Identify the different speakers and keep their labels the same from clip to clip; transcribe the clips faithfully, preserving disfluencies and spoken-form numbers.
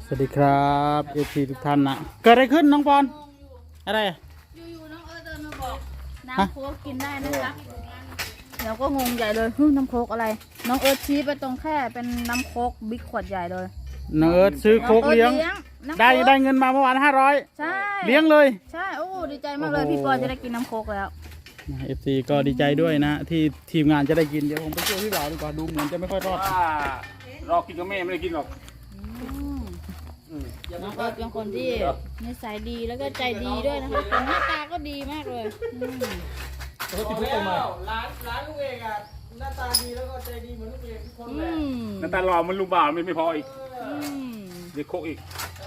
Speaker 1: สวัสดีครับเอฟซีทุกท่านนะเกิดอะไรขึ้นน้องปอนอะไร
Speaker 2: อยู่ๆน้องเอิร์ธเดินมาบอกน้ำโค้กกินได้นะคะเราก็งงใหญ่เลยฮึน้ำโค้กอะไรน้องเอิร์ธชี้ไปตรงแค่เป็นน้ำโค้กบิ๊กขวดใหญ่เลย
Speaker 1: น้องเอิร์ธซื้อโค้กเลี้ยงได้ได้เงินมาเมื่อวานห้าร้อย
Speaker 2: ใช่
Speaker 1: เลี้ยงเลย
Speaker 2: ใช่โอ้ดีใจมากเลยพี่ปอนจะได้กินน้ำโค้กแล้ว
Speaker 1: เอฟซีก็ดีใจด้วยนะที่ทีมงานจะได้กินเดี๋ยวผมไปช่วยพี่บ่าวดีกว่าดูเหมือนจะไม่ค่อยรอด
Speaker 3: รอกินกับแม่ไม่ได้กินหรอก
Speaker 2: น้องเอิร์ธเป็นคนที่นิสัยดีแล้วก็ใจดีด้วยนะคะคนหน้าตาก็ดีมากเลย
Speaker 4: แล้วร้านร้านลุงเอกอะหน้าตาดีแล้วก็ใจดีเหมือนลุงเอกทุกคนแหละ
Speaker 3: หน้าตาหล่อมันลูกบ่าวมันไม่พออีกเด็กโคกอีก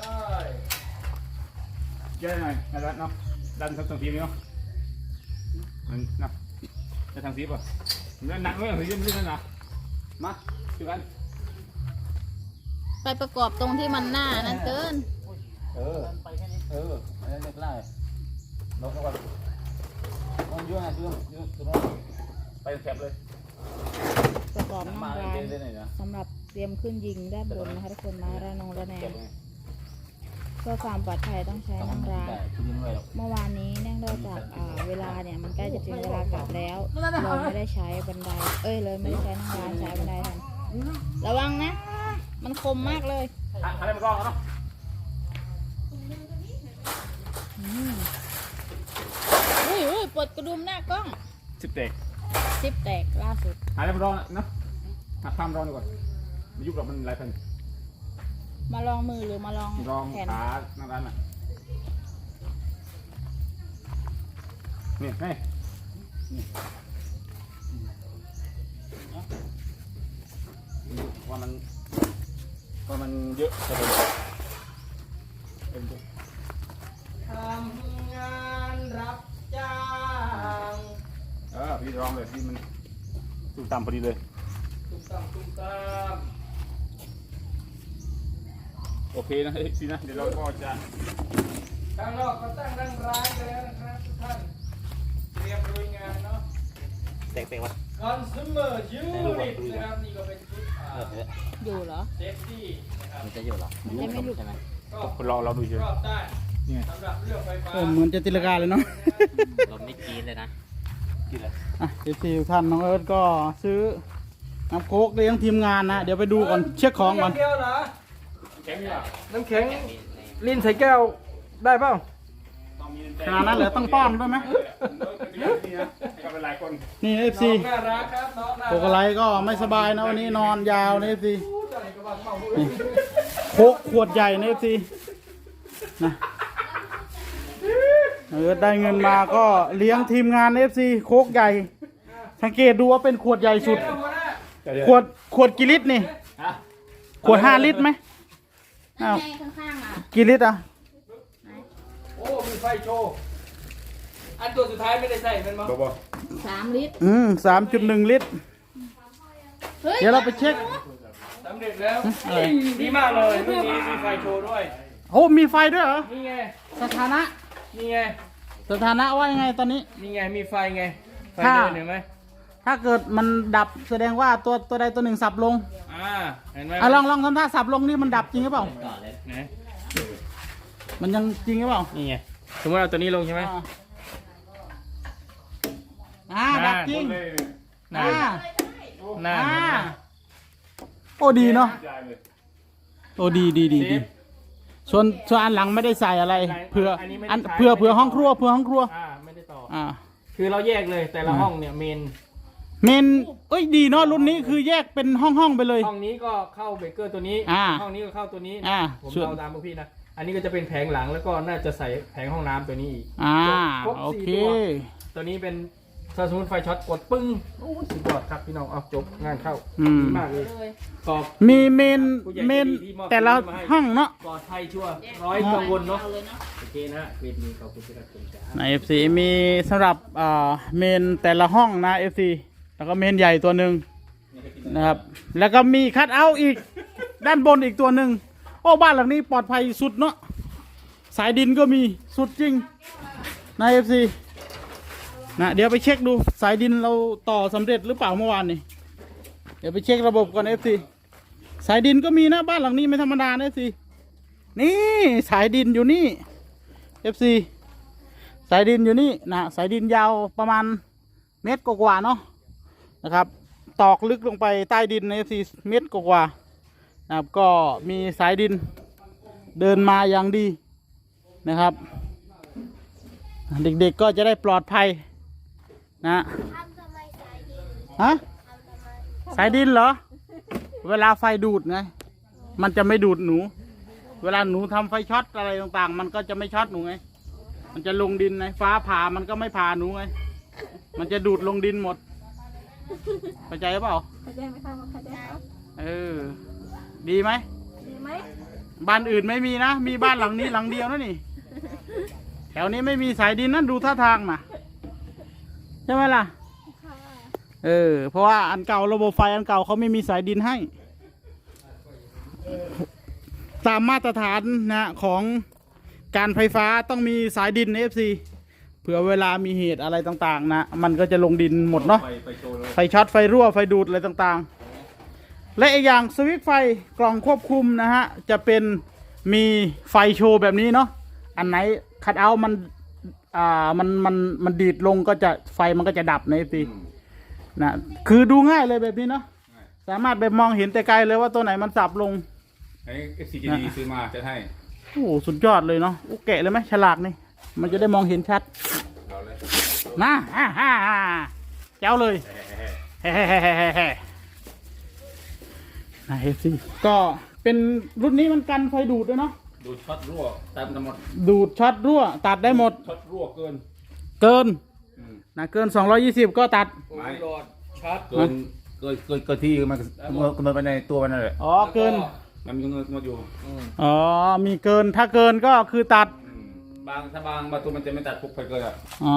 Speaker 3: เยอะหน่อยนะดันเนาะดันทางทีมเนาะมันนะจะทางทีมป่ะนั่นหนักเลยทีมไม่ได้หนักมาช่วยกัน
Speaker 2: ไปประกอบตรงที่มันหน้านั่นเกิน
Speaker 3: เออเอออันนั้นไม่ได้ลงก่อนลงเยอะนะเยอะเยอะตรงนั้นไปแคบเลย
Speaker 2: ประกอบน้ำร้านสำหรับเตรียมขึ้นยิงด้านบนนะคะทุกคนมาระนองระแนงเพื่อความปลอดภัยต้องใช้นั่งร้านเมื่อวานนี้เนื่องจากเวลาเนี่ยมันใกล้จะถึงเวลากลับแล้วเลยไม่ได้ใช้บันไดเอ้ยเลยไม่ได้ใช้นั่งร้านใช้บันไดแทนระวังนะมันคมมากเลย
Speaker 3: อะไรมากล้องเนาะ
Speaker 2: อุ้ยอุ้ยปลดกระดุมหน้ากล้อง
Speaker 3: สิบแตก
Speaker 2: สิบแตกล่าสุด
Speaker 3: อะไรมากล้องเนาะหักข้ามร้อนก่อนมายุบเรามันหลายพัน
Speaker 2: มาลองมือหรือมาลอง
Speaker 3: ลองขาหน้าร้านอ่ะนี่ให้ว่ามันว่ามันเยอะจะเป็นเป็น
Speaker 4: ทำงานรับจ้าง
Speaker 3: เออพี่ร้องเลยพี่มันตุ้มตามพอดีเลย
Speaker 4: ตุ้มตามตุ้มตาม
Speaker 3: โอเคนะพี่นะเดี๋ยวเราก็จะ
Speaker 4: ข้างนอกก็ตั้งนั่งร้านกันแล้วนะครับทุกท่านเตรียมลุยงานเนาะ
Speaker 3: เต็งๆวะ
Speaker 4: Consumer Unit นะครับนี่ก็เป็นชุด
Speaker 2: อยู่เหรอ
Speaker 4: เซฟตี้นะครับ
Speaker 3: มันจะอยู่หรอ
Speaker 2: มันจะไม่หลุดใช่ไหม
Speaker 3: ก็เราเราดูเฉย
Speaker 4: รอบด้านสำหรับเรื่องไฟฟ้า
Speaker 1: เหมือนจะตีลังกาเลยเนาะ
Speaker 3: ลมไม่กินเลยนะกินเลย
Speaker 1: อ่ะเอฟซีท่านน้องเอิร์ธก็ซื้อน้ำโค้กเลี้ยงทีมงานนะเดี๋ยวไปดูก่อนเช็คของก่อน
Speaker 4: น้ำแข็งเหรอ
Speaker 3: แข็งเนี่ย
Speaker 4: น้ำแข็งลิ้นใส่แก้วได้เปล่า
Speaker 1: ขนาดนั้นเหรอต้องป้อนด้วยไหมนี่เอฟซีโคกไลก็ไม่สบายนะวันนี้นอนยาวนะเอฟซีโค้กขวดใหญ่นะเอฟซีนะเออได้เงินมาก็เลี้ยงทีมงานเอฟซีโค้กใหญ่สังเกตดูว่าเป็นขวดใหญ่สุดขวดขวดกี่ลิตรนี่ขวดห้าลิตรไหมอ้าวกี่ลิตรอ่ะ
Speaker 4: โอ้มีไฟโชว์อันตัวสุดท้ายไม่ได้ใส่เป็นมั้ง
Speaker 2: สามลิตร
Speaker 1: อืมสามจุดหนึ่งลิตรเดี๋ยวเราไปเช็ค
Speaker 4: สำเร็จแล้วดีมากเลยเมื่อกี้มีไฟโชว์ด้วย
Speaker 1: โอ้มีไฟด้วยเหรอ
Speaker 4: นี่ไง
Speaker 1: สถานะ
Speaker 4: นี่ไง
Speaker 1: สถานะว่ายังไงตอนนี้
Speaker 4: นี่ไงมีไฟไงไฟเดินเห็นไหม
Speaker 1: ถ้าเกิดมันดับแสดงว่าตัวตัวใดตัวหนึ่งสับลง
Speaker 4: อ่าเห็นไหม
Speaker 1: อ่ะลองลองทำท่าสับลงนี่มันดับจริงหรือเปล่า
Speaker 4: ไหน
Speaker 1: มันยังจริงหรือเปล่า
Speaker 4: นี่ไงสมมติเอาตัวนี้ลงใช่ไหม
Speaker 1: อ่าดับจริง
Speaker 4: น่าน่า
Speaker 1: โอ้ดีเนาะโอ้ดีดีดีดีส่วนส่วนอันหลังไม่ได้ใส่อะไรเพื่ออันเพื่อเพื่อห้องครัวเพื่อห้องครัว
Speaker 4: อ่าไม่ได้ต่อ
Speaker 1: อ่า
Speaker 4: คือเราแยกเลยแต่ละห้องเนี่ยเมน
Speaker 1: เมนเอ้ยดีเนาะรุ่นนี้คือแยกเป็นห้องห้องไปเลย
Speaker 4: ห้องนี้ก็เข้าเบเกอร์ตัวนี้ห้องนี้ก็เข้าตัวนี้ผมเอาตามพวกพี่นะอันนี้ก็จะเป็นแผงหลังแล้วก็น่าจะใส่แผงห้องน้ำตัวนี้อีก
Speaker 1: อ่าโอเค
Speaker 4: ตัวนี้เป็นถ้าสมมติไฟช็อตกดปึ้งโอ้สุดยอดครับพี่น้องเอาจบงานเข้าดีมากเลย
Speaker 1: ตอบมีเมนเมนแต่ละห้องเนาะ
Speaker 4: ปลอดภัยชัวร์ร้อยกังวลเนาะโอเคนะคลิปนี้ขอบคุณที่รับชมจ้า
Speaker 1: ใน เอฟ ซี มีสำหรับเมนแต่ละห้องนะ เอฟ ซี แล้วก็เมนใหญ่ตัวหนึ่งนะครับแล้วก็มีคัทเอาท์อีกด้านบนอีกตัวหนึ่งโอ้บ้านหลังนี้ปลอดภัยสุดเนาะสายดินก็มีสุดจริงใน เอฟ ซี นะเดี๋ยวไปเช็คดูสายดินเราต่อสำเร็จหรือเปล่าเมื่อวานนี้เดี๋ยวไปเช็คระบบก่อน เอฟ ซี สายดินก็มีนะบ้านหลังนี้ไม่ธรรมดา เอฟ ซีนี่สายดินอยู่นี่ เอฟ ซี สายดินอยู่นี่นะสายดินยาวประมาณเมตรกว่าๆเนาะนะครับ ตอกลึกลงไปใต้ดินใน เอฟ ซี เมตรกว่าๆนะครับก็มีสายดินเดินมาอย่างดีนะครับ เด็กๆก็จะได้ปลอดภัยนะ
Speaker 2: ทำทำไมสายดิน
Speaker 1: ฮะ
Speaker 2: ทำทำไม
Speaker 1: สายดินเหรอ เวลาไฟดูดไง มันจะไม่ดูดหนู เวลาหนูทำไฟช็อตอะไรต่างๆ มันก็จะไม่ช็อตหนูไง มันจะลงดินไง ฟ้าผ่ามันก็ไม่ผ่าหนูไง มันจะดูดลงดินหมด เข้าใจเปล่า
Speaker 2: เข้าใจไหมคะเข้าใจครับ
Speaker 1: เออ ดีไหม
Speaker 2: ดีไหม
Speaker 1: บ้านอื่นไม่มีนะ มีบ้านหลังนี้หลังเดียวนะนี่ แถวนี้ไม่มีสายดินนั่นดูท่าทางนะใช่ไหมล่ะ
Speaker 2: ค่ะ
Speaker 1: เออ เพราะว่าอันเก่าระบบไฟอันเก่าเขาไม่มีสายดินให้ ตามมาตรฐานนะของการไฟฟ้าต้องมีสายดิน เอฟ ซี เผื่อเวลามีเหตุอะไรต่างๆนะมันก็จะลงดินหมดเนาะ
Speaker 3: ไปไปโชว์เลย
Speaker 1: ไฟช็อตไฟรั่วไฟดูดอะไรต่างๆ และอีกอย่างสวิตช์ไฟกล่องควบคุมนะฮะจะเป็นมีไฟโชว์แบบนี้เนาะอันไหนคัดเอาท์มันอ่ามันมันมันดีดลงก็จะไฟมันก็จะดับใน เอฟ ซี นะคือดูง่ายเลยแบบนี้เนาะสามารถไปมองเห็นแต่ไกลเลยว่าตัวไหนมันสับลง
Speaker 3: ไอ้ เอฟ ซี จี ดี ซื้อมาจะให้
Speaker 1: โอ้โหสุดยอดเลยเนาะโอ้แกะเลยไหมฉลากนี่มันจะได้มองเห็นชัด
Speaker 3: เราเลย
Speaker 1: นะฮ่าฮ่าฮ่าเจ้าเลยเฮ้เฮ้เฮ้เฮ้เฮ้เฮ้นะเอฟซีก็เป็นรุ่นนี้มันกันไฟดูดด้วยเนาะ
Speaker 3: ดูช็อตรั่วตามทั้งหมด
Speaker 1: ดูดช็อตรั่วตัดได้หมด
Speaker 3: ช็อตรั่วเกิน
Speaker 1: เกิน
Speaker 3: อืม
Speaker 1: นะเกินสองร้อยยี่สิบก็ตัด
Speaker 4: โอ้ยหลอดชัด
Speaker 3: เกินเกินเกินเกินที่มันกำหนดไปในตัวมันนั่นแหละ
Speaker 1: อ๋อเกิน
Speaker 3: มันมีกำหนดอยู่
Speaker 4: อืม
Speaker 1: อ๋อมีเกินถ้าเกินก็คือตัด
Speaker 3: อืมบางถ้าบางบางตัวมันจะไม่ตัดปุ๊บไปเกินอ่ะ
Speaker 1: อ๋อบ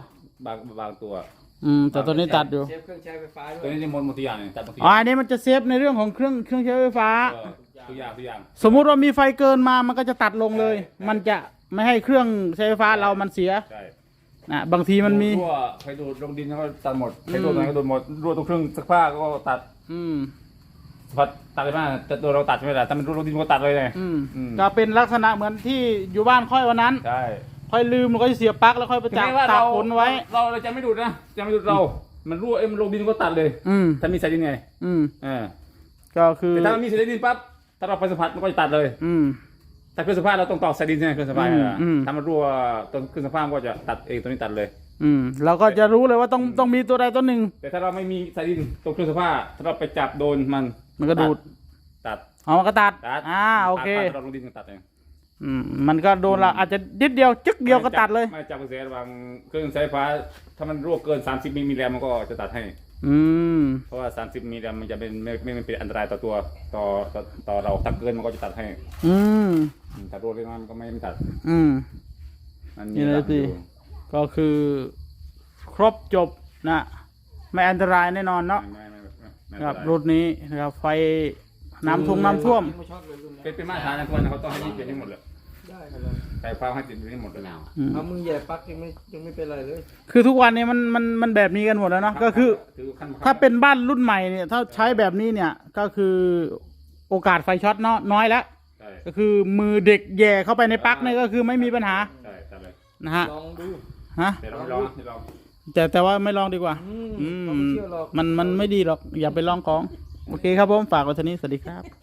Speaker 3: างบางตัว
Speaker 1: อืมแต่ตัวนี้ตัดอยู่
Speaker 4: เชฟเครื่องใช้ไฟฟ้าด้ว
Speaker 3: ตัวย นี้จะหมดหมดทุกอย่างเลยตัดหมดทุกอ
Speaker 1: อ๋อย่าง อันนี้มันจะเซฟในเรื่องของเครื่องเครื่องใช้ไฟฟ้า
Speaker 3: เออทุกอย่างทุกอย่าง
Speaker 1: สมมุติว่ามีไฟเกินมามันก็จะตัดลงเลย มันจะไม่ให้เครื่องใช้ไฟฟ้าเรามันเสีย
Speaker 3: ใช่
Speaker 1: นะบางทีมันมี
Speaker 3: รั่วไฟดูดลงดินแล้วก็ตัดหมดไฟดูดอะไรก็ดูดหมดรั่วตรงเครื่องซักผ้าก็ตัด
Speaker 1: อืม
Speaker 3: พัดตัดเลยมากแต่ตัวเราตัดไม่ได้แต่มันรั่วลงดินก็ตัดเลยไง
Speaker 1: อืม
Speaker 3: อืม
Speaker 1: ก็เป็นลักษณะเหมือนที่อยู่บ้านค่อยวันนั้น
Speaker 3: ใช่
Speaker 1: ค่อยลืมแล้วก็เสียบปลั๊กแล้วค่อยไปจับ
Speaker 3: ถึงแม้ว่า
Speaker 1: ตาก
Speaker 3: เรา
Speaker 1: ฝนไว้
Speaker 3: เราเราจะไม่ดูดนะจะไม่ดูดเรา มันรั่วเอ็มนลงดินก็ตัดเลย
Speaker 1: อืม
Speaker 3: ถ้ามีสายดินไง
Speaker 1: อืม
Speaker 3: เออ
Speaker 1: ก็คือ
Speaker 3: แต่ถ้ามันมีสายดินปั๊บถ้าเราไปสัมผัสมันก็จะตัดเลย
Speaker 1: อืม
Speaker 3: แต่เครื่องสัมผัสเราต้องต่อสายดินใช่ไหมเครื่องสัมผัส
Speaker 1: อืม
Speaker 3: อ่ะ
Speaker 1: อืม
Speaker 3: ถ้ามันรั่วตรงเครื่องสัมผัสมันก็จะตัดเองตัวนี้ตัดเลย
Speaker 1: อืมเราก็จะรู้เลยว่าต้องต้องมีตัวใดตัวหนึ่ง
Speaker 3: แต่ถ้าเราไม่มีสายดินตรงเครื่องสัมผัสถ้าเราไปจับโดนมัน
Speaker 1: มันก็ดูด
Speaker 3: ตัด
Speaker 1: เอามันก็ตัด
Speaker 3: ตัด
Speaker 1: อ่าโอเค
Speaker 3: ตัดตัดเราลงดินก็ตัดเอง
Speaker 1: อืมมันก็โดนละอาจจะนิดเดียวจึ๊กเดียวก็ตัดเลย
Speaker 3: ไม่จับกระแสระหว่างเครื่องใช้ไฟฟ้าถ้ามันรั่วเกิน สามสิบ มิลลิแรมมันก็จะตัดให้
Speaker 1: อืม
Speaker 3: เพราะว่า สามสิบ มิลลิแรมมันจะเป็นไม่ไม่ไม่เป็นอันตรายต่อตัวต่อต่อต่อเราถ้าเกินมันก็จะตัดให้
Speaker 1: อืม
Speaker 3: อืมถ้ารั่วเล็กน้อยมันก็ไม่ไม่ตัด
Speaker 1: อืม
Speaker 3: มันมี
Speaker 1: นี่เลย
Speaker 3: ระดับ
Speaker 1: สิ
Speaker 3: อยู่
Speaker 1: ก็คือครบจบนะไม่อันตรายแน่นอนเนาะ
Speaker 3: ไม่ไม่ไม่ไม่ไม่
Speaker 1: ครับ
Speaker 3: เป็น
Speaker 1: ร
Speaker 3: ไร
Speaker 1: ถนี้นะครับไฟน้ำท่วมน้ำท่วม
Speaker 4: ไม่ชอบเลยรุ่น
Speaker 3: เป็น
Speaker 4: นี้
Speaker 3: เป็นมาตรฐานนะทุกวันนะเขาต้องให้ยึดเป็นให้หมดเลย
Speaker 4: ได้ครับเลย
Speaker 3: ไฟฟ้าให้ติดเป็นให้หมดเลย
Speaker 1: อืม
Speaker 4: เอามือแหย่ปลั๊กยังไม่ยังไม่เป็นไรเลย
Speaker 1: คือทุกวันนี้มันมันมันแบบนี้กันหมดแล้วเนาะก็คือ
Speaker 3: ถือขั้นบังคับ
Speaker 1: ถ้าเป็นบ้านรุ่นใหม่เนี่ยถ้าใช้แบบนี้เนี่ยก็คือโอกาสไฟช็อตเนาะน้อยแล้ว
Speaker 3: ใช่
Speaker 1: ก็คือมือเด็กแย่เข้าไปในปลั๊กเนี่ยก็คือไม่มีปัญหา
Speaker 3: ใช่ตัดเลย
Speaker 1: นะฮะ
Speaker 4: ลองดู
Speaker 1: ฮะ
Speaker 3: เดี๋ยวเราไม่ลองเดี๋ยวเรา
Speaker 1: แต่แต่ว่าไม่ลองดีกว่า
Speaker 4: อืม
Speaker 1: อืม
Speaker 4: เขาไม่เชื่อหรอก
Speaker 1: มันมันไม่ดีหรอกอย่าไปลองของโอเคครับผมฝากไว้เท่านี้สวัสดีครับ